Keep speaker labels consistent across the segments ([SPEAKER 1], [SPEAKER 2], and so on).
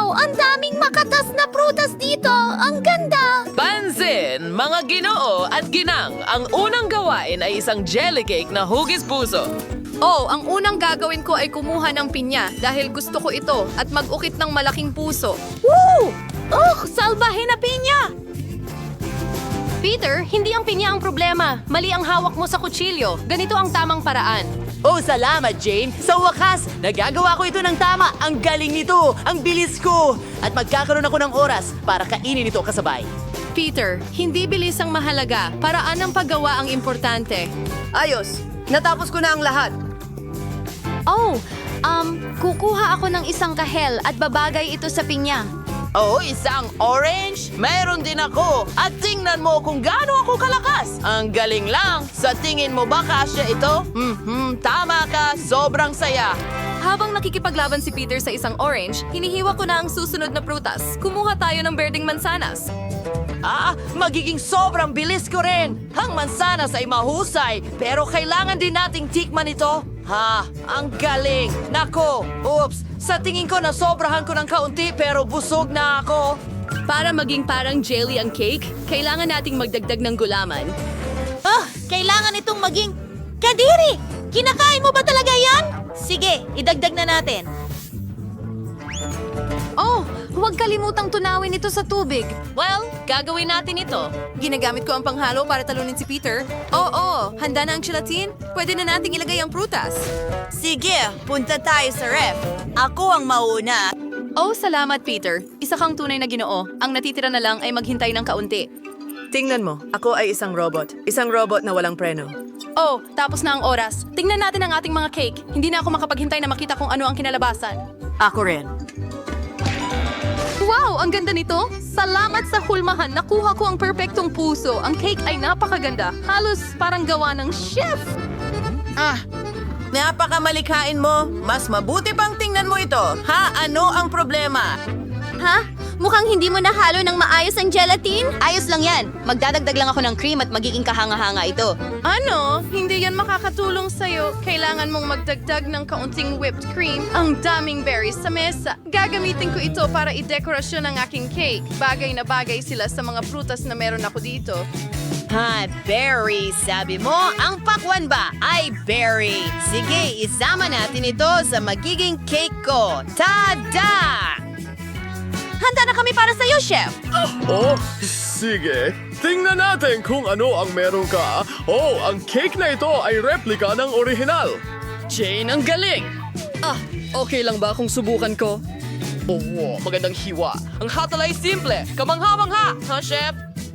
[SPEAKER 1] Wow! Ang daming makatas na prutas dito! Ang ganda!
[SPEAKER 2] Pansin, mga ginoo at ginang, ang unang gawain ay isang jelly cake na hugis puso.
[SPEAKER 3] Oh, ang unang gagawin ko ay kumuha ng pinya dahil gusto ko ito at mag-ukit ng malaking puso.
[SPEAKER 1] Woo! Salbahe na pinya!
[SPEAKER 3] Peter, hindi ang pinya ang problema. Mali ang hawak mo sa kutsilyo. Ganito ang tamang paraan.
[SPEAKER 4] Oh, salamat, Jane. Sa wakas, nagagawa ko ito ng tama. Ang galing nito. Ang bilis ko. At magkakaroon ako ng oras para kainin ito kasabay.
[SPEAKER 3] Peter, hindi bilis ang mahalaga. Paraan ng paggawa ang importante.
[SPEAKER 5] Ayos, natapos ko na ang lahat.
[SPEAKER 1] Kukuha ako ng isang kahel at babagay ito sa pinya.
[SPEAKER 4] Oh, isang orange? Meron din ako. At tingnan mo kung gaano ako kalakas. Ang galing lang. Sa tingin mo ba kasya ito? Tama ka. Sobrang saya.
[SPEAKER 3] Habang nakikipaglaban si Peter sa isang orange, hinihiwa ko na ang susunod na prutas. Kumuha tayo ng berdeng mansanas.
[SPEAKER 4] Magiging sobrang bilis ko rin. Ang mansanas ay mahusay, pero kailangan din nating tikman ito. Ang galing. Nako, oops. Sa tingin ko nasobrahan ko ng kaunti pero busog na ako.
[SPEAKER 3] Para maging parang jelly ang cake, kailangan nating magdagdag ng gulaman.
[SPEAKER 1] Kailangan itong maging kadiri! Kinakain mo ba talaga yan? Sige, idagdag na natin.
[SPEAKER 3] Oh, huwag kalimutang tunawin ito sa tubig.
[SPEAKER 2] Well, gagawin natin ito.
[SPEAKER 3] Ginagamit ko ang panghalo para talunin si Peter. Oo, handa na ang gelatin? Pwede na nating ilagay ang prutas.
[SPEAKER 5] Sige, punta tayo sa ref. Ako ang mauna.
[SPEAKER 3] Oh, salamat Peter. Isa kang tunay na Ginoo. Ang natitira na lang ay maghintay ng kaunti.
[SPEAKER 5] Tingnan mo, ako ay isang robot. Isang robot na walang preno.
[SPEAKER 3] Oh, tapos na ang oras. Tingnan natin ang ating mga cake. Hindi na ako makapaghintay na makita kung ano ang kinalabasan.
[SPEAKER 5] Ako rin.
[SPEAKER 3] Wow, ang ganda nito! Salamat sa hulmahan. Nakuha ko ang perpektong puso. Ang cake ay napakaganda. Halos parang gawa ng chef.
[SPEAKER 5] Napakamalikain mo. Mas mabuti pang tingnan mo ito. Ano ang problema?
[SPEAKER 1] Mukhang hindi mo nahalo ng maayos ang gelatin? Ayos lang yan. Magdadagdag lang ako ng cream at magiging kahanga-hanga ito.
[SPEAKER 3] Ano? Hindi yan makakatulong sa'yo. Kailangan mong magdagdag ng kaunting whipped cream. Ang daming berries sa mesa. Gagamitin ko ito para i-dekorasyon ang aking cake. Bagay na bagay sila sa mga prutas na meron ako dito.
[SPEAKER 4] Berry. Sabi mo, ang pakwan ba ay berry. Sige, isama natin ito sa magiging cake ko. Tada!
[SPEAKER 1] Handa na kami para sa'yo, Chef!
[SPEAKER 6] Oh, sige. Tingnan natin kung ano ang meron ka. Oh, ang cake na ito ay replika ng orihinal.
[SPEAKER 2] Jane, ang galing! Okay lang ba kung subukan ko? Oh, magandang hiwa. Ang hatal ay simple. Kamangha-mangha, chef?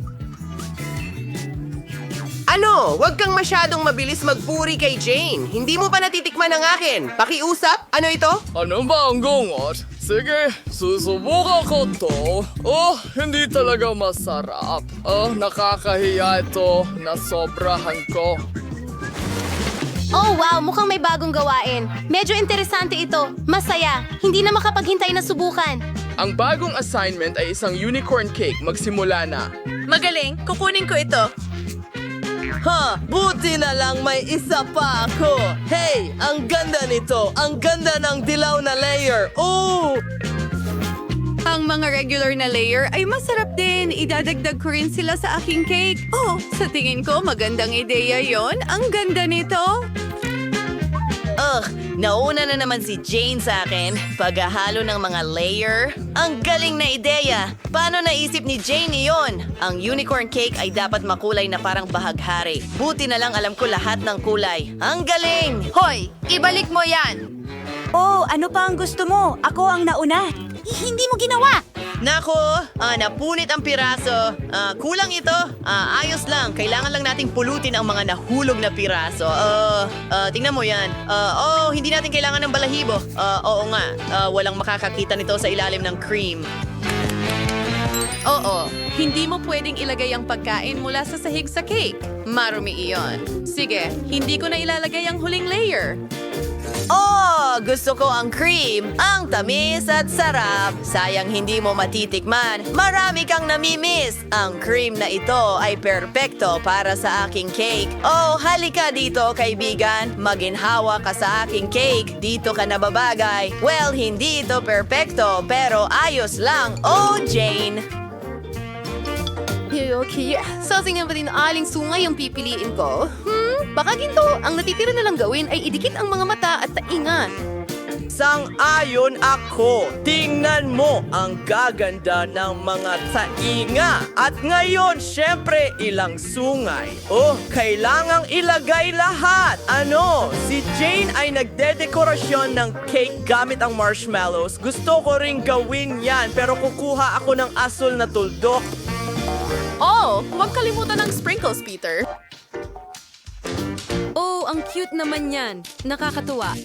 [SPEAKER 5] Ano? Huwag kang masyadong mabilis magpuri kay Jane. Hindi mo pa natitikman ang akin. Pakiusap? Ano ito?
[SPEAKER 6] Ano ba ang gungot? Sige, susubukan ko to. Oh, hindi talaga masarap. Nakakahiya ito. Nasobrahan ko.
[SPEAKER 1] Oh wow, mukhang may bagong gawain. Medyo interesante ito. Masaya. Hindi na makapaghintay na subukan.
[SPEAKER 6] Ang bagong assignment ay isang unicorn cake. Magsimula na.
[SPEAKER 5] Magaling. Kukunin ko ito.
[SPEAKER 4] Buti na lang may isa pa ako. Hey, ang ganda nito. Ang ganda ng dilaw na layer. Oh!
[SPEAKER 3] Ang mga regular na layer ay masarap din. Idadagdag ko rin sila sa aking cake. Oh, sa tingin ko magandang ideya yon. Ang ganda nito.
[SPEAKER 4] Nauna na naman si Jane sa akin. Paghahalo ng mga layer. Ang galing na ideya. Paano naisip ni Jane iyon? Ang unicorn cake ay dapat makulay na parang bahaghari. Buti na lang alam ko lahat ng kulay. Ang galing!
[SPEAKER 3] Hoy, ibalik mo yan.
[SPEAKER 1] Oh, ano pa ang gusto mo? Ako ang nauna. Hindi mo ginawa!
[SPEAKER 4] Nako, napunit ang piraso. Kulang ito. Ayos lang. Kailangan lang nating pulutin ang mga nahulog na piraso. Tingnan mo yan. Hindi natin kailangan ng balahibo. Oo nga. Walang makakakita nito sa ilalim ng cream.
[SPEAKER 3] Oo, hindi mo pwedeng ilagay ang pagkain mula sa sahig sa cake. Marumi iyon. Sige, hindi ko na ilalagay ang huling layer.
[SPEAKER 4] Oh, gusto ko ang cream, ang tamis at sarap. Sayang hindi mo matitikman. Marami kang namimiss. Ang cream na ito ay perpekto para sa aking cake. Oh, halika dito, kaibigan. Maginhawa ka sa aking cake. Dito ka nababagay. Well, hindi ito perpekto, pero ayos lang. Oh, Jane.
[SPEAKER 1] Okay, so tingnan ba din aling sungay yung pipiliin ko? Baka ginto, ang natitira na lang gawin ay idikit ang mga mata at tainga.
[SPEAKER 4] Sang-ayon ako. Tingnan mo ang gaganda ng mga tainga. At ngayon, syempre, ilang sungay. Oh, kailangang ilagay lahat. Ano? Si Jane ay nagdedekorasyon ng cake gamit ang marshmallows. Gusto ko ring gawin yan, pero kukuha ako ng asul na tuldok.
[SPEAKER 3] Oh, huwag kalimutan ng sprinkles, Peter.
[SPEAKER 1] Oh, ang cute naman yan. Nakakatuwa.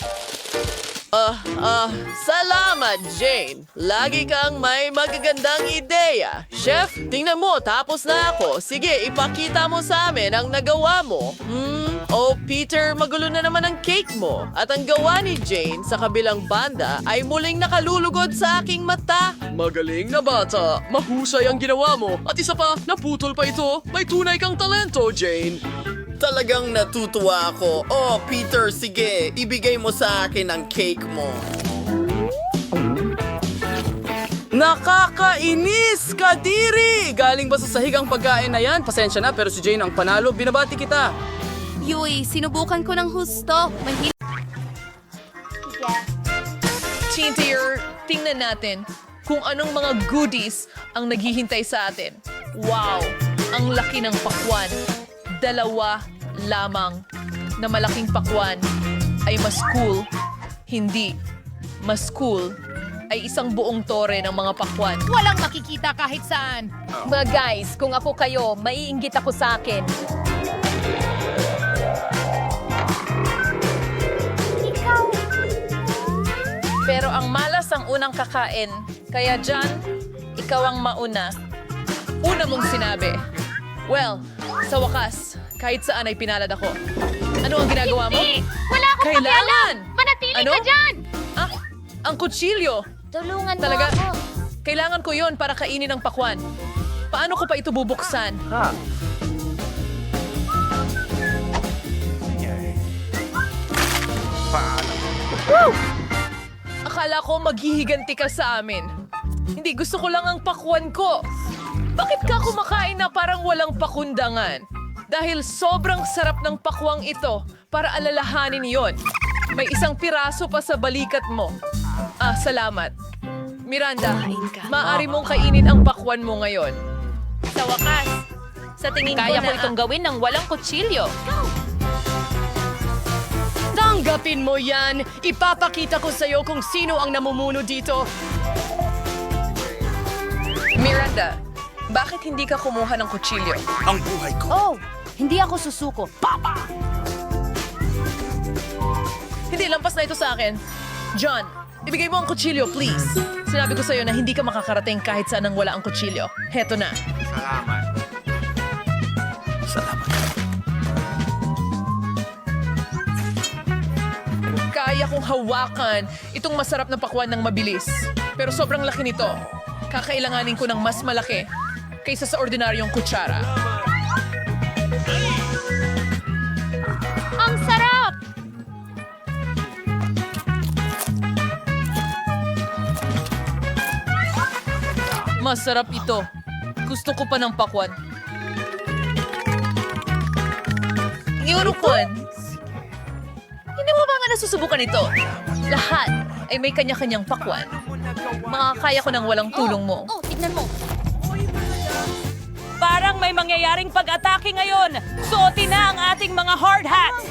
[SPEAKER 2] Salamat, Jane. Lagi kang may magagandang ideya. Chef, tingnan mo, tapos na ako. Sige, ipakita mo sa amin ang nagawa mo. Oh, Peter, magulo na naman ang cake mo. At ang gawa ni Jane sa kabilang banda ay muling nakalulugod sa aking mata.
[SPEAKER 6] Magaling na bata. Mahusay ang ginawa mo. At isa pa, naputol pa ito. May tunay kang talento, Jane.
[SPEAKER 7] Talagang natutuwa ako. Oh, Peter, sige, ibigay mo sa akin ang cake mo.
[SPEAKER 2] Nakakainis, Kadiri! Galing ba sa sahig ang pagkain na yan? Pasensya na, pero si Jane ang panalo. Binabati kita.
[SPEAKER 1] Yui, sinubukan ko ng husto.
[SPEAKER 3] Chintier, tingnan natin kung anong mga goodies ang naghihintay sa atin. Wow! Ang laki ng pakwan. 2 lamang na malaking pakwan ay mas cool. Hindi. Mas cool ay isang buong tore ng mga pakwan.
[SPEAKER 8] Walang makikita kahit saan. Mga guys, kung ako kayo, maiinggit ako sa akin.
[SPEAKER 3] Pero ang malas ang unang kakain. Kaya dyan, ikaw ang mauna. Una mong sinabi. Well, sa wakas, kahit saan ay pinalad ako. Ano ang ginagawa mo?
[SPEAKER 8] Wala akong
[SPEAKER 3] Kailangan!
[SPEAKER 8] Manatili
[SPEAKER 3] Ano?
[SPEAKER 8] ka dyan!
[SPEAKER 3] Ah, ang kutsilyo.
[SPEAKER 8] Tulungan
[SPEAKER 3] Talaga?
[SPEAKER 8] mo ako.
[SPEAKER 3] Kailangan ko yon para kainin ang pakwan. Paano ko pa ito bubuksan? Akala ko maghihiganti ka sa amin. Hindi, gusto ko lang ang pakwan ko. Bakit ka kumakain na parang walang pakundangan? Dahil sobrang sarap ng pakwang ito para alalahanin yon. May isang piraso pa sa balikat mo. Ah, salamat. Miranda, maaari mong kainin ang pakwan mo ngayon.
[SPEAKER 8] Sa wakas, sa tingin
[SPEAKER 3] Kaya
[SPEAKER 8] ko
[SPEAKER 3] ko itong gawin ng walang kutsilyo.
[SPEAKER 2] Tanggapin mo yan! Ipapakita ko sa'yo kung sino ang namumuno dito.
[SPEAKER 3] Miranda, bakit hindi ka kumuha ng kutsilyo?
[SPEAKER 8] Oh, hindi ako susuko.
[SPEAKER 3] Hindi, lampas na ito sa akin. John, ibigay mo ang kutsilyo, please. Sinabi ko sa'yo na hindi ka makakarating kahit saan nang wala ang kutsilyo. Heto na. Kaya kong hawakan itong masarap na pakwan ng mabilis. Pero sobrang laki nito. Kakailanganin ko ng mas malaki kaysa sa ordinaryong kutsara.
[SPEAKER 8] Ang sarap!
[SPEAKER 3] Masarap ito. Gusto ko pa ng pakwan. Yurukon, hindi mo ba nga nasusubukan ito? Lahat ay may kanya-kanyang pakwan. Makakaya ko ng walang tulong mo.
[SPEAKER 8] Oh, tignan mo.
[SPEAKER 9] Parang may mangyayaring pag-atake ngayon. Suotin na ang ating mga hard hats.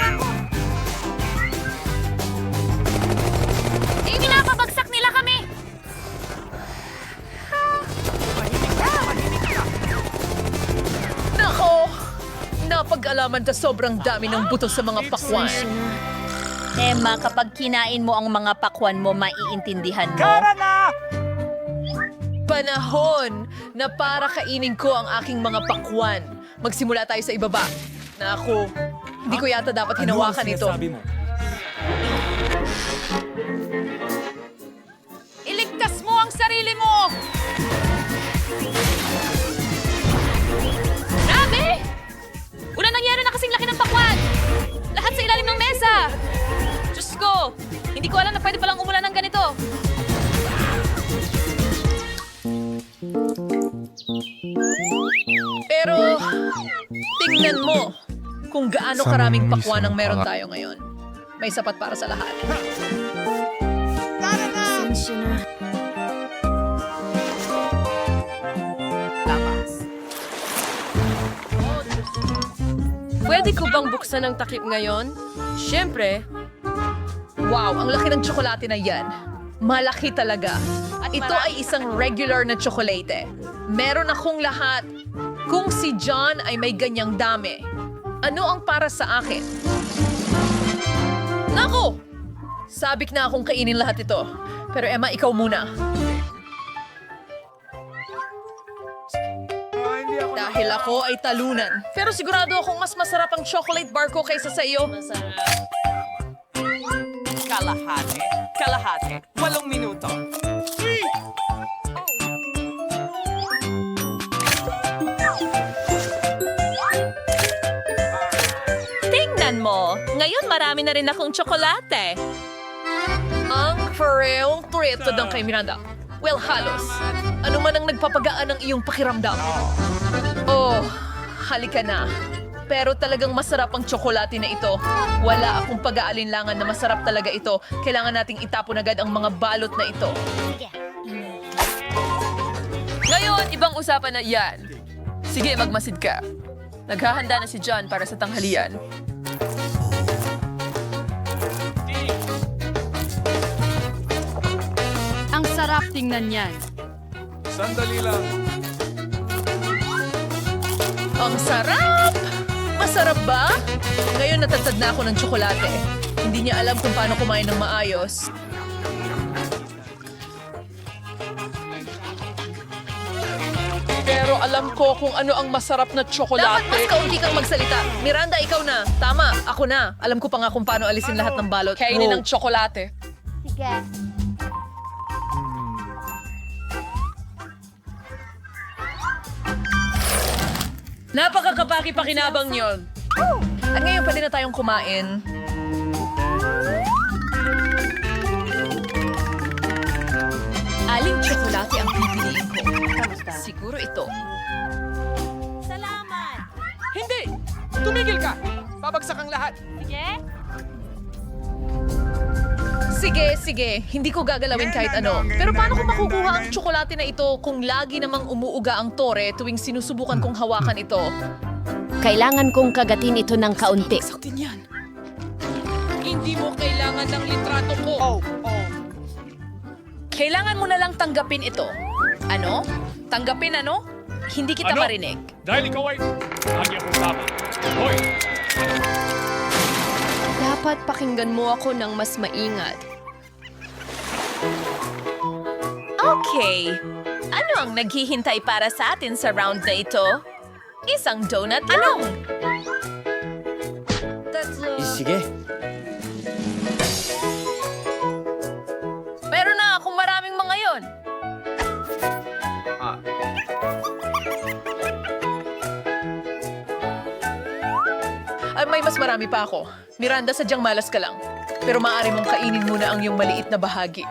[SPEAKER 8] Pinapabagsak nila kami!
[SPEAKER 3] Nako! Napag-alaman ka sobrang dami ng buto sa mga pakwan.
[SPEAKER 8] Emma, kapag kinain mo ang mga pakwan mo, maiintindihan mo.
[SPEAKER 3] Panahon na para kainin ko ang aking mga pakwan. Magsimula tayo sa ibaba. Naku, hindi ko yata dapat hinawakan ito.
[SPEAKER 8] sarili mo! Grabe! Una nangyari na kasing laki ng pakwan! Lahat sa ilalim ng mesa! Diyos ko! Hindi ko alam na pwede palang umulan ng ganito.
[SPEAKER 2] Pero, tingnan mo kung gaano karaming pakwan ang meron tayo ngayon. May sapat para sa lahat.
[SPEAKER 3] Pwede ko bang buksan ang takip ngayon? Siyempre.
[SPEAKER 2] Wow, ang laki ng tsokolate na yan. Malaki talaga. Ito ay isang regular na tsokolate. Meron akong lahat. Kung si John ay may ganyang dami, ano ang para sa akin? Nako! Sabik na akong kainin lahat ito. Pero Emma, ikaw muna. Dahil ako ay talunan. Pero sigurado akong mas masarap ang chocolate bar ko kaysa sa iyo.
[SPEAKER 9] Kalahati. Kalahati. 8 minuto.
[SPEAKER 8] Tingnan mo, ngayon marami na rin akong tsokolate.
[SPEAKER 2] Ang pareong treat to kay Miranda. Well, halos. Ano man ang nagpapagaan ng iyong pakiramdam. Oh, halika na. Pero talagang masarap ang tsokolate na ito. Wala akong pag-aalinlangan na masarap talaga ito. Kailangan nating itapon agad ang mga balot na ito. Ngayon, ibang usapan na yan. Sige, magmasid ka. Naghahanda na si John para sa tanghalian.
[SPEAKER 3] Ang sarap tingnan yan.
[SPEAKER 2] Ang sarap! Masarap ba? Ngayon natatad na ako ng tsokolate. Hindi niya alam kung paano kumain ng maayos. Pero alam ko kung ano ang masarap na tsokolate. Dapat mas kaunti kang magsalita. Miranda, ikaw na. Tama, ako na. Alam ko pa nga kung paano alisin lahat ng balot. Kainin ng tsokolate.
[SPEAKER 9] Napakakapaki-pakinabang yon.
[SPEAKER 2] At ngayon pwede na tayong kumain. Aling tsokolate ang pipiliin ko? Siguro ito.
[SPEAKER 1] Salamat!
[SPEAKER 6] Hindi! Tumigil ka! Babagsak ang lahat.
[SPEAKER 2] Sige, sige. Hindi ko gagalawin kahit ano. Pero paano ko makukuha ang tsokolate na ito kung lagi namang umuuga ang tore tuwing sinusubukan kong hawakan ito?
[SPEAKER 1] Kailangan kong kagatin ito ng kaunti.
[SPEAKER 9] Hindi mo kailangan ng litrato ko.
[SPEAKER 2] Kailangan mo na lang tanggapin ito. Ano? Tanggapin ano? Hindi kita marinig.
[SPEAKER 6] Dahil ikaw ay... Lagi akong tama. Hoy!
[SPEAKER 3] Dapat pakinggan mo ako ng mas maingat.
[SPEAKER 8] Okay. Ano ang naghihintay para sa atin sa round na ito? Isang donut lang.
[SPEAKER 5] Sige.
[SPEAKER 2] Meron na akong maraming mga yon. Ay, may mas marami pa ako. Miranda, sadyang malas ka lang. Pero maaari mong kainin muna ang iyong maliit na bahagi.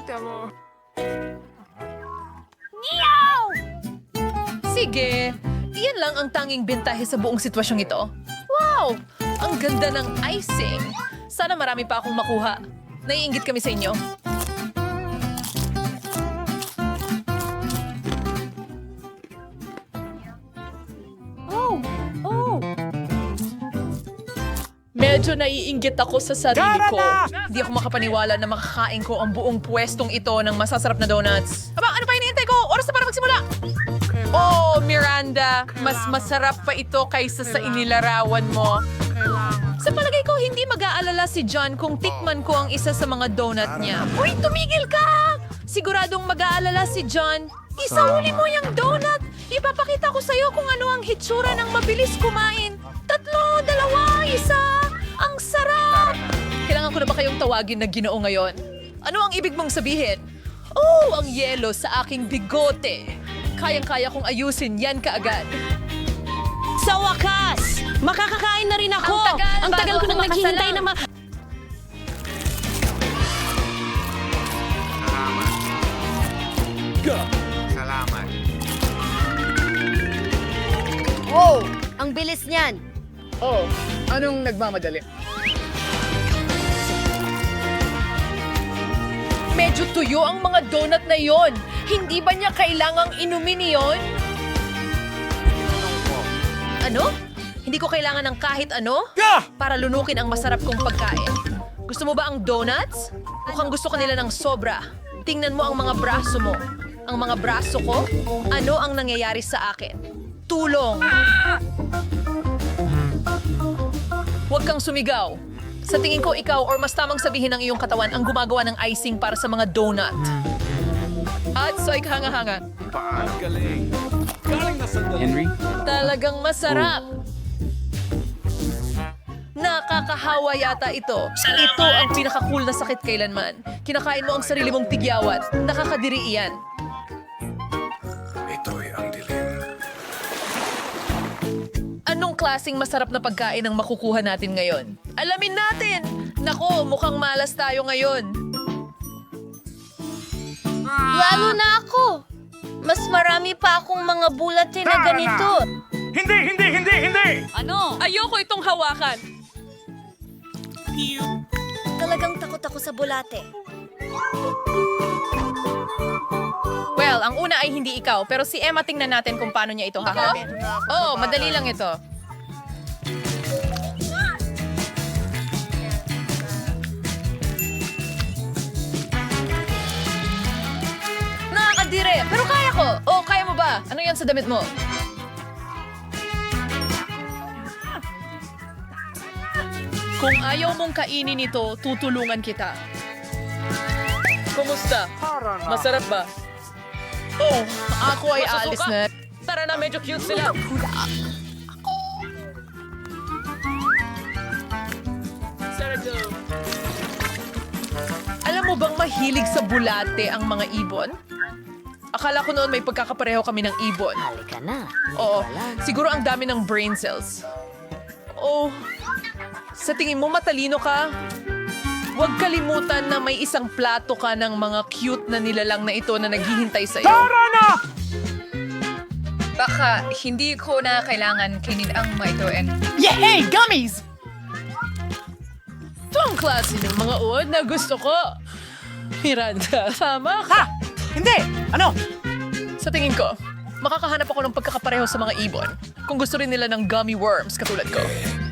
[SPEAKER 2] Sige, iyan lang ang tanging bentahe sa buong sitwasyong ito. Wow! Ang ganda ng icing. Sana marami pa akong makuha. Naiinggit kami sa inyo. Medyo naiinggit ako sa sarili ko. Hindi ako makapaniwala na makakain ko ang buong pwestong ito ng masasarap na donuts. Aba, ano pa hinihintay ko? Oras na para magsimula! Oh, Miranda, mas masarap pa ito kaysa sa inilarawan mo. Sa palagay ko, hindi mag-aalala si John kung tikman ko ang isa sa mga donut niya. Uy, tumigil ka! Siguradong mag-aalala si John. Isauli mo yung donut! Ipapakita ko sa'yo kung ano ang hitsura ng mabilis kumain. 3, 2, 1! Ang sarap! Kailangan ko na ba kayong tawagin na Ginoo ngayon? Ano ang ibig mong sabihin?
[SPEAKER 8] Oh, ang yelo sa aking bigote. Kayang-kaya kong ayusin yan kaagad.
[SPEAKER 1] Sa wakas! Makakakain na rin ako!
[SPEAKER 8] Ang tagal
[SPEAKER 1] ko
[SPEAKER 8] bago
[SPEAKER 1] nang
[SPEAKER 8] ako
[SPEAKER 1] naghihintay
[SPEAKER 8] makasalang.
[SPEAKER 1] na
[SPEAKER 10] Wow! Ang bilis niyan!
[SPEAKER 6] Oh, anong nagmamadali?
[SPEAKER 8] Medyo tuyo ang mga donut na yon. Hindi ba niya kailangang inumin yon? Ano? Hindi ko kailangan ng kahit ano para lunukin ang masarap kong pagkain. Gusto mo ba ang donuts? Mukhang gusto ka nila ng sobra. Tingnan mo ang mga braso mo. Ang mga braso ko? Ano ang nangyayari sa akin? Tulong! Huwag kang sumigaw. Sa tingin ko ikaw or mas tamang sabihin ng iyong katawan ang gumagawa ng icing para sa mga donut. At so hanga-hanga. Talagang masarap. Nakakahawa yata ito. Ito ang pinaka-cool na sakit kailanman. Kinakain mo ang sarili mong tigyawat. Nakakadiri iyan. Anong klaseng masarap na pagkain ang makukuha natin ngayon? Alamin natin! Nako, mukhang malas tayo ngayon.
[SPEAKER 1] Lalo na ako! Mas marami pa akong mga bulate na ganito.
[SPEAKER 8] Ano? Ayoko itong hawakan.
[SPEAKER 1] Talagang takot ako sa bulate.
[SPEAKER 8] Well, ang una ay hindi ikaw, pero si Emma tingnan natin kung paano niya ito haharapin. Oh, madali lang ito. Nakakadire, pero kaya ko. Oh, kaya mo ba? Ano yan sa damit mo? Kung ayaw mong kainin ito, tutulungan kita. Kumusta? Masarap ba? Oh, ako ay alis na. Tara na, medyo cute sila. Alam mo bang mahilig sa bulate ang mga ibon? Akala ko noon may pagkakapareho kami ng ibon.
[SPEAKER 10] Halika na.
[SPEAKER 8] Oo, siguro ang dami ng brain cells. Oh, sa tingin mo matalino ka? Huwag kalimutan na may isang plato ka ng mga cute na nilalang na ito na naghihintay sa'yo. Tara na! Baka hindi ko na kailangan kinin ang mga ito and...
[SPEAKER 6] Yay! Gummies!
[SPEAKER 8] Ito ang klase ng mga uod na gusto ko. Miranda, tama ka.
[SPEAKER 6] Hindi! Ano?
[SPEAKER 8] Sa tingin ko, makakahanap ako ng pagkakapareho sa mga ibon kung gusto rin nila ng gummy worms katulad ko.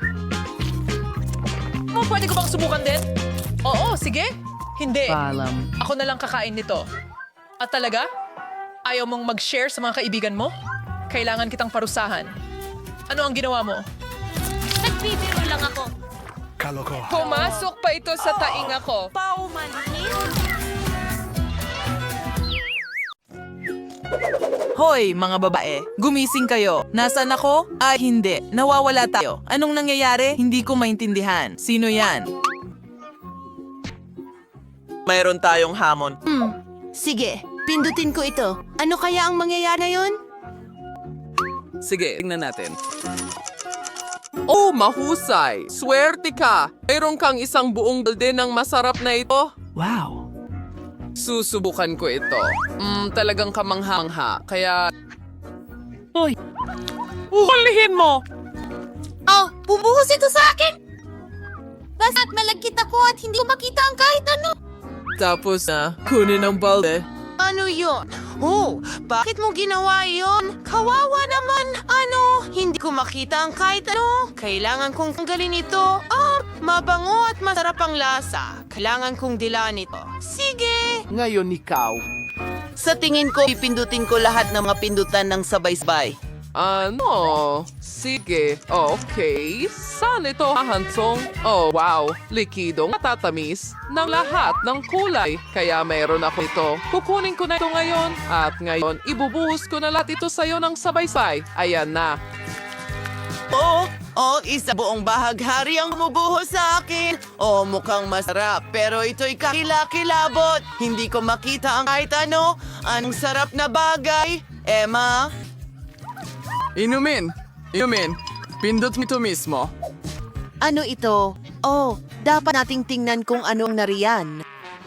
[SPEAKER 8] Pwede ko bang subukan din? Oo, sige. Hindi. Ako na lang kakain nito. At talaga? Ayaw mong mag-share sa mga kaibigan mo? Kailangan kitang parusahan. Ano ang ginawa mo?
[SPEAKER 1] Nagbibiro lang ako.
[SPEAKER 8] Pumasok pa ito sa tainga ko.
[SPEAKER 11] Hoy, mga babae, gumising kayo. Nasaan ako? Ay, hindi. Nawawala tayo. Anong nangyayari? Hindi ko maintindihan. Sino yan?
[SPEAKER 5] Mayroon tayong hamon.
[SPEAKER 1] Sige, pindutin ko ito. Ano kaya ang mangyayari ngayon?
[SPEAKER 6] Sige, tingnan natin. Oh, mahusay! Swerte ka! Mayroon kang isang buong balde ng masarap na ito.
[SPEAKER 11] Wow.
[SPEAKER 6] Susubukan ko ito. Talagang kamangha-mangha. Kaya... Hoy! Hulihin mo!
[SPEAKER 1] Oh, bubuhos ito sa akin! Basta't malagkit ako at hindi ko makita ang kahit ano.
[SPEAKER 6] Tapos na, kunin ang balde.
[SPEAKER 5] Ano yun? Oh, bakit mo ginawa yon? Kawawa naman. Ano? Hindi ko makita ang kahit ano. Kailangan kong tanggalin ito. Mabango at masarap ang lasa. Kailangan kong dilaan ito. Sige.
[SPEAKER 7] Ngayon ikaw.
[SPEAKER 5] Sa tingin ko, ipindutin ko lahat ng mga pindutan ng sabay-sabay.
[SPEAKER 6] Ano? Sige. Okay. Saan ito hahantong? Oh, wow. Likidong matatamis ng lahat ng kulay. Kaya meron ako ito. Kukunin ko na ito ngayon. At ngayon, ibubuhos ko na lahat ito sa'yo ng sabay-sabay. Ayan na.
[SPEAKER 5] O isa buong bahaghari ang bumubuho sa akin. O mukhang masarap, pero ito'y kakilakilabot. Hindi ko makita ang kahit ano. Anong sarap na bagay. Emma?
[SPEAKER 6] Inumin. Pindot mo ito mismo.
[SPEAKER 10] Ano ito? Oh, dapat nating tingnan kung ano ang nariyan.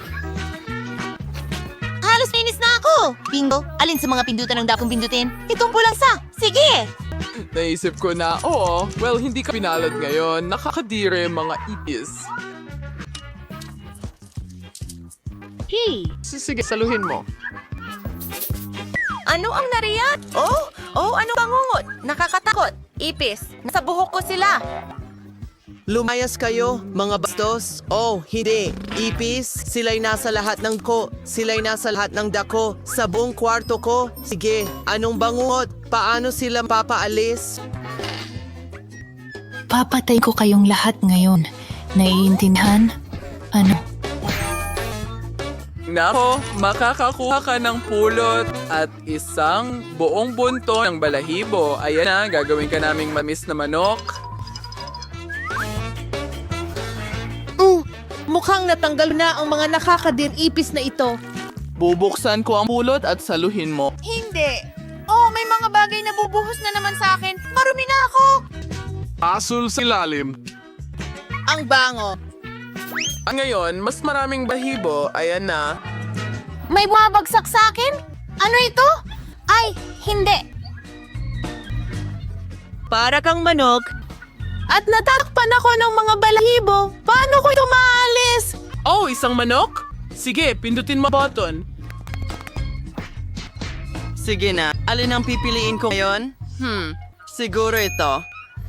[SPEAKER 1] Halos nainis na ako! Bingo, alin sa mga pindutan ang dapat kong pindutin? Itong pulang sa! Sige!
[SPEAKER 6] Naisip ko na, oo, well, hindi ka pinalad ngayon. Nakakadire mga ipis.
[SPEAKER 1] Hey!
[SPEAKER 6] Sige, saluhin mo.
[SPEAKER 8] Ano ang nariyan? Oh, ano bangungot? Nakakatakot. Ipis. Nasa buhok ko sila.
[SPEAKER 5] Lumayas kayo, mga bastos. Oh, hindi. Ipis, sila'y nasa lahat ng sila'y nasa lahat ng dako, sa buong kwarto ko. Sige, anong bangungot? Paano sila papaalis?
[SPEAKER 12] Papatay ko kayong lahat ngayon. Naiintindihan? Ano?
[SPEAKER 6] Nako, makakakuha ka ng pulot at isang buong bunto ng balahibo. Ayan na, gagawin ka naming mamis na manok.
[SPEAKER 10] Mukhang natanggal na ang mga nakakadir-ipis na ito.
[SPEAKER 6] Bubuksan ko ang pulot at saluhin mo.
[SPEAKER 3] Hindi. Oh, may mga bagay na bubuhos na naman sa akin. Marumi na ako.
[SPEAKER 6] Asul sa ilalim.
[SPEAKER 5] Ang bango.
[SPEAKER 6] Ngayon, mas maraming balahibo. Ayan na.
[SPEAKER 1] May bumabagsak sa akin? Ano ito? Ay, hindi.
[SPEAKER 4] Para kang manok.
[SPEAKER 3] At natatakpan ako ng mga balahibo. Paano ko ito maalis?
[SPEAKER 6] Oh, isang manok? Sige, pindutin mo button.
[SPEAKER 5] Sige na, alin ang pipiliin ko ngayon? Siguro ito.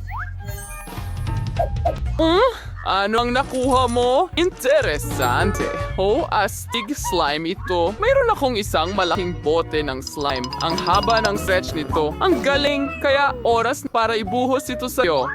[SPEAKER 6] Ano ang nakuha mo? Interesante. Oh, astig slime ito. Mayroon akong isang malaking bote ng slime. Ang haba ng stretch nito. Ang galing, kaya oras para ibuhos ito sa'yo.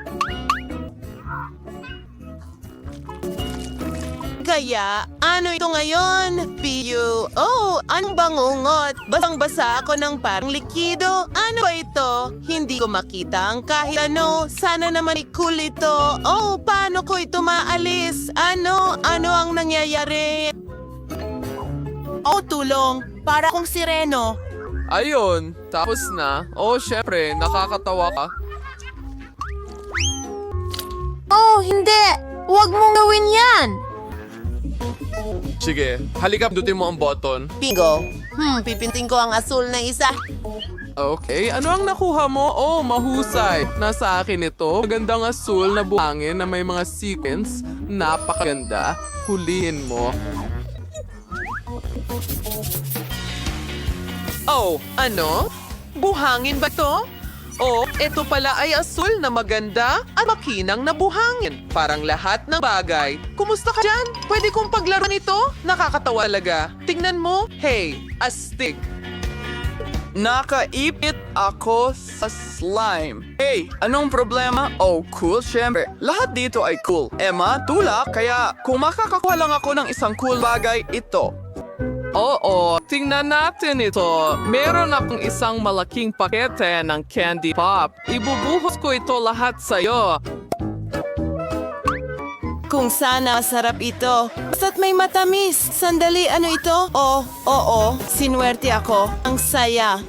[SPEAKER 5] Kaya, ano ito ngayon? Piyu. Oh, anong bangungot? Basang-basa ako ng parang likido. Ano ba ito? Hindi ko makita ang kahit ano. Sana naman cool ito. Oh, paano ko ito maalis? Ano ang nangyayari?
[SPEAKER 11] Oh, tulong! Para kong sireno.
[SPEAKER 6] Ayun, tapos na. Oh, syempre, nakakatawa ka.
[SPEAKER 1] Oh, hindi! Huwag mong gawin yan!
[SPEAKER 6] Sige, halika, pindutin mo ang button.
[SPEAKER 5] Bingo. Pipinting ko ang asul na isa.
[SPEAKER 6] Okay, ano ang nakuha mo? Oh, mahusay. Nasa akin ito. Magandang asul na buhangin na may mga sequins. Napakaganda. Hulihin mo.
[SPEAKER 2] Oh, ano? Buhangin ba to? Oh, ito pala ay asul na maganda at makinang na buhangin. Parang lahat ng bagay. Kumusta ka dyan? Pwede kong paglaruan ito? Nakakatawa talaga. Tingnan mo. Hey, astig.
[SPEAKER 6] Nakaipit ako sa slime. Hey, anong problema? Oh, cool, syempre. Lahat dito ay cool. Emma, tulak, kaya kung makakakuha lang ako ng isang cool bagay, ito. Oo, tingnan natin ito. Meron akong isang malaking pakete ng candy pop. Ibubuhos ko ito lahat sa'yo.
[SPEAKER 5] Kung sana masarap ito. Basta't may matamis. Sandali, ano ito? Oh, oo. Sinuwerte ako. Ang saya.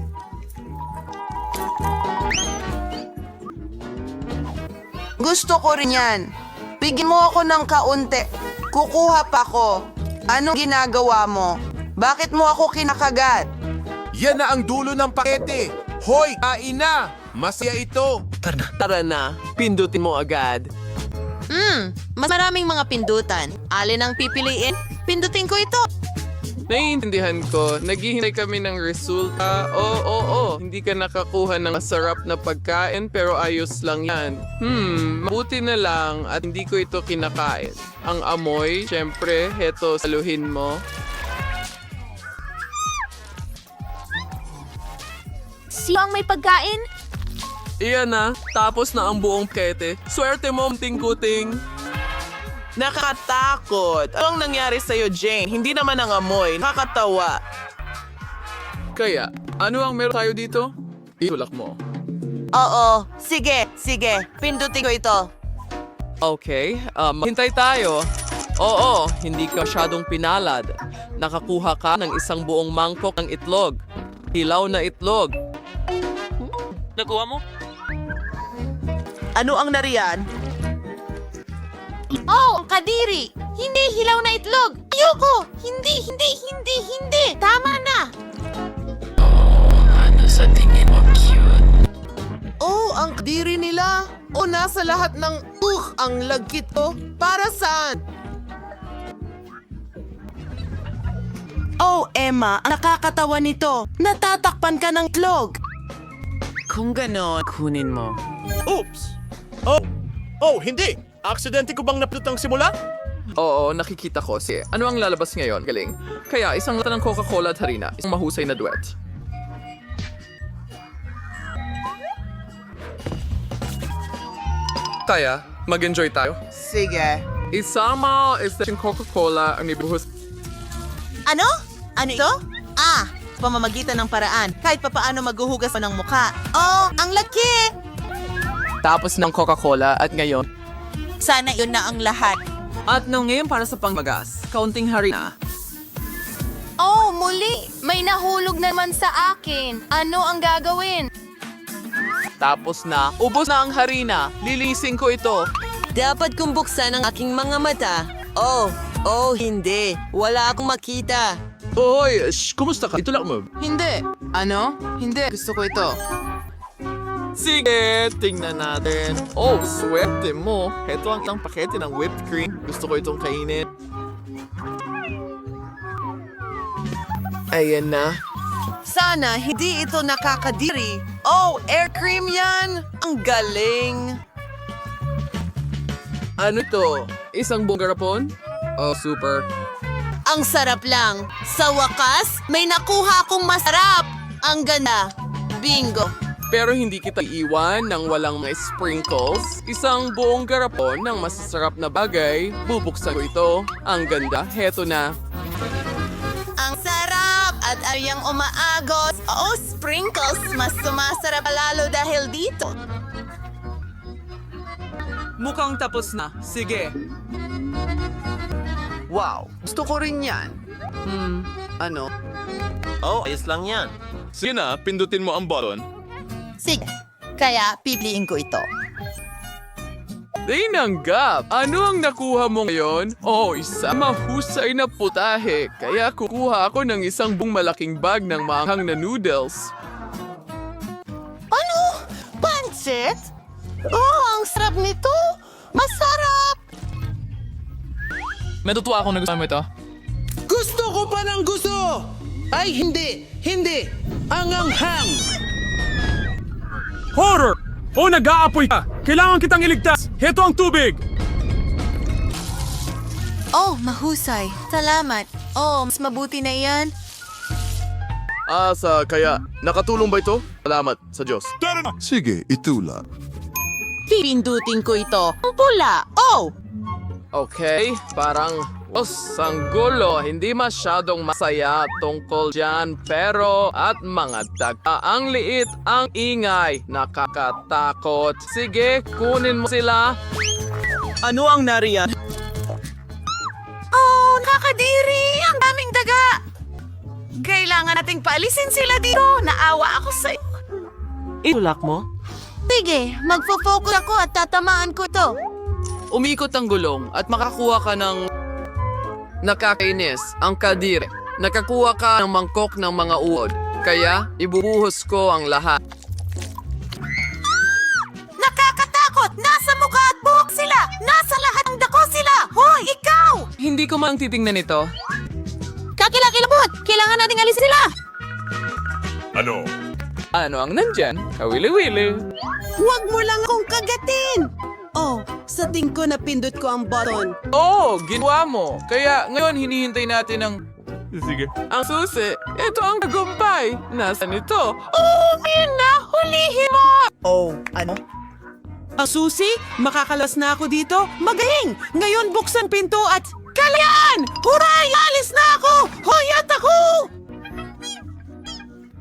[SPEAKER 5] Gusto ko rin yan. Bigyan mo ako ng kaunti. Kukuha pa ko. Anong ginagawa mo? Bakit mo ako kinakagat?
[SPEAKER 7] Yan na ang dulo ng pakete. Hoy, kain na! Masaya ito.
[SPEAKER 2] Tara na, pindutin mo agad.
[SPEAKER 5] Mas maraming mga pindutan. Alin ang pipiliin? Pindutin ko ito.
[SPEAKER 6] Naiintindihan ko, naghihintay kami ng resulta. Oo, hindi ka nakakuha ng masarap na pagkain pero ayos lang yan. Mabuti na lang at hindi ko ito kinakain. Ang amoy, syempre, heto, saluhin mo.
[SPEAKER 1] Sino ang may pagkain?
[SPEAKER 6] Iyan na, tapos na ang buong pakete. Swerte mo, ting-kuting.
[SPEAKER 5] Nakakatakot. Anong nangyari sa'yo, Jane? Hindi naman ang amoy. Nakakatawa.
[SPEAKER 6] Kaya, ano ang meron tayo dito? Itulak mo.
[SPEAKER 10] Oo, sige. Pindutin ko ito.
[SPEAKER 2] Okay, hintay tayo. Oo, hindi ka masyadong pinalad. Nakakuha ka ng isang buong mangkok ng itlog. Hilaw na itlog.
[SPEAKER 9] Nakuha mo?
[SPEAKER 10] Ano ang nariyan?
[SPEAKER 1] Oh, kadiri! Hindi hilaw na itlog! Ayoko! Hindi! Tama na!
[SPEAKER 5] Oh, ang kadiri nila. O nasa lahat ng ang lagkit ko. Para saan?
[SPEAKER 10] Oh, Emma, ang nakakatawa nito. Natatakpan ka ng itlog.
[SPEAKER 4] Kung ganon, kunin mo.
[SPEAKER 13] Oops! Hindi! Aksidente ko bang napindot ang simula?
[SPEAKER 6] Oo, nakikita ko. Ano ang lalabas ngayon? Galing. Kaya isang lata ng Coca-Cola at harina. Isang mahusay na duet. Kaya, mag-enjoy tayo.
[SPEAKER 10] Sige.
[SPEAKER 6] Isama yung Coca-Cola ang ibuhos.
[SPEAKER 10] Ano? Ano ito? Pamamagitan ng paraan. Kahit papaano maghuhugas mo ng mukha. Oh, ang laki!
[SPEAKER 11] Tapos ng Coca-Cola at ngayon.
[SPEAKER 10] Sana yun na ang lahat.
[SPEAKER 11] At ngayon para sa pangmagas, kaunting harina.
[SPEAKER 1] Oh, muli! May nahulog naman sa akin. Ano ang gagawin?
[SPEAKER 2] Tapos na, ubos na ang harina. Lilisin ko ito.
[SPEAKER 4] Dapat kong buksan ang aking mga mata. Hindi. Wala akong makita.
[SPEAKER 13] Hoy, kumusta ka? Ito lang mo.
[SPEAKER 5] Hindi. Ano? Hindi. Gusto ko ito.
[SPEAKER 2] Sige, tingnan natin. Oh, swerte mo. Ito ang isang pakete ng whipped cream. Gusto ko itong kainin. Ayan na.
[SPEAKER 10] Sana hindi ito nakakadiri. Oh, air cream yan! Ang galing!
[SPEAKER 6] Ano to? Isang buong garapon? Oh, super.
[SPEAKER 10] Ang sarap lang. Sa wakas, may nakuha akong masarap. Ang ganda. Bingo.
[SPEAKER 6] Pero hindi kita iiwan ng walang mga sprinkles. Isang buong garapon ng masasarap na bagay. Bubuksan ko ito. Ang ganda. Heto na.
[SPEAKER 10] Ang sarap at ayang umaagos. Oh, sprinkles. Mas sumasarap lalo dahil dito.
[SPEAKER 11] Mukhang tapos na. Sige.
[SPEAKER 4] Wow, gusto ko rin yan. Ano?
[SPEAKER 7] Oh, ayos lang yan.
[SPEAKER 13] Sige na, pindutin mo ang button.
[SPEAKER 10] Sige. Kaya pipiliin ko ito.
[SPEAKER 6] Tinanggap! Ano ang nakuha mo ngayon? Oh, isang mahusay na putahe. Kaya kukuha ako ng isang buong malaking bag ng maanghang na noodles.
[SPEAKER 10] Ano? Pancit? Oh, ang sarap nito. Masarap.
[SPEAKER 11] Matutuwa ako na gusto mo ito.
[SPEAKER 5] Gusto ko pa ng gusto! Ay, hindi! Ang anghang!
[SPEAKER 13] Horror! Oh, nag-aapoy ka! Kailangan kitang iligtas! Heto ang tubig!
[SPEAKER 10] Oh, mahusay. Salamat. Oh, mas mabuti na iyan.
[SPEAKER 13] Kaya, nakatulong ba ito? Salamat sa Diyos.
[SPEAKER 14] Sige, itula.
[SPEAKER 10] Pipindutin ko ito. Ang pula. Oh!
[SPEAKER 6] Okay, parang ang gulo, hindi masyadong masaya tungkol dyan, pero at mga daga. Ang liit, ang ingay, nakakatakot. Sige, kunin mo sila.
[SPEAKER 11] Ano ang nariyan?
[SPEAKER 10] Oh, nakakadiri! Ang daming daga! Kailangan nating paalisin sila dito. Naawa ako sa...
[SPEAKER 11] Itulak mo?
[SPEAKER 10] Sige, magfo-focus ako at tatamaan ko ito.
[SPEAKER 6] Umikot ang gulong at makakuha ka ng nakakainis, ang kadire. Nakakuha ka ng mangkok ng mga uod, kaya ibubuhos ko ang lahat.
[SPEAKER 10] Nakakatakot! Nasa mukha at buhok sila! Nasa lahat ng dako sila! Hoy, ikaw!
[SPEAKER 6] Hindi ko man titingnan ito.
[SPEAKER 10] Kakilakilabot! Kailangan nating alisin sila!
[SPEAKER 6] Ano ang nandyan? Kawili-wili.
[SPEAKER 5] Huwag mo lang akong kagatin! Oh, sa tingin ko napindot ko ang button.
[SPEAKER 6] Oh, ginawa mo. Kaya ngayon hinihintay natin ang...
[SPEAKER 13] Sige.
[SPEAKER 6] Ang susi. Ito ang tagumpay. Nasaan ito?
[SPEAKER 10] Oh, Mina! Hulihin mo!
[SPEAKER 11] Oh, ano?
[SPEAKER 5] Ang susi, makakalas na ako dito. Magaling! Ngayon buksan pinto at... Kalayan! Huray! Alis na ako! Hoyat ako!